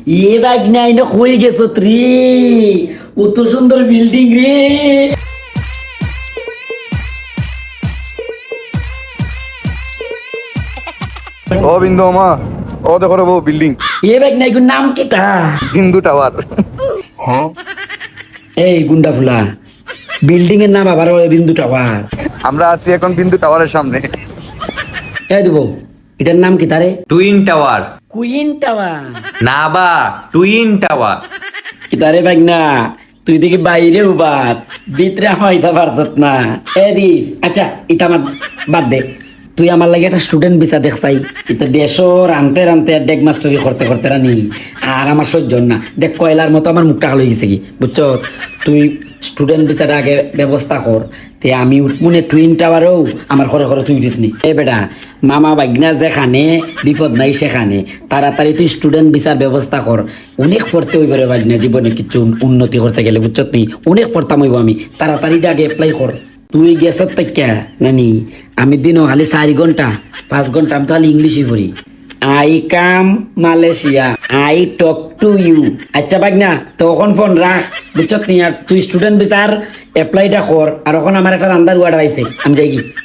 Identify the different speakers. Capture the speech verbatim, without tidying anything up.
Speaker 1: এ bug নাই না হয়ে গেছো রে, কত সুন্দর বিল্ডিং রে।
Speaker 2: ও বিন্দু মামা, ও দেখো রে বউ বিল্ডিং
Speaker 1: এ বাগ নাই নাম কি তা?
Speaker 2: হিন্দু টাওয়ার।
Speaker 1: এই গুন্ডা ফুলা, বিল্ডিং এর নাম আবার ওই বিন্দু টাওয়ার।
Speaker 2: আমরা আছি এখন বিন্দু টাওয়ারের সামনে।
Speaker 1: এই দেবো, এটার নাম কি তারে?
Speaker 3: Twin tower.
Speaker 1: Queen tower.
Speaker 3: না বা টুইন টাওয়ার।
Speaker 1: কি তারে বাগ না, তুই দেখি বাইরে উবাত ভিতরে হইতে পারছত না। এ দি আচ্ছা, ইতা আমার বাদ দে, তুই আমার লাগে একটা স্টুডেন্ট ভিসা দেখছাই, এটা দেশও রানতে রানতে ডেক মাস্টারি করতে করতে রানি আর আমার সহ্য না। দেখ কয়লার মতো আমার মুখটা হয়ে গেছে কি, বুঝছ? তুই স্টুডেন্ট ভিসাটা আগে ব্যবস্থা কর, তে আমি উঠমুনে টুইন টাওয়ারও আমার ঘরে ঘরে তুই উঠিস নি। এ বেটা, মামা বাগনা যেখানে বিপদ নাই সেখানে, তাড়াতাড়ি তুই স্টুডেন্ট ভিসার ব্যবস্থা কর। অনেক পড়তে হইব রে বাগনা, জীবনে কিছু উন্নতি করতে গেলে, বুঝছ? তুই অনেক পড়তাম হইব, আমি তাড়াতাড়ি আগে অ্যাপ্লাই কর। তুই গেছত তাইকা নানি, আমি দিনও খালি চারি ঘন্টা পাঁচ ঘন্টা আমি তো খালি ইংলিশই পড়ি। I come Malaysia, I talk to you. আচ্ছা বাগনা, তখন ফোন রাখ, বুঝছত নি? আর তুই স্টুডেন্ট ভিসার অ্যাপ্লাইটা কর, আর ওখানে আমার একটা রান্দার অর্ডার আইছে, আমি যাই কি।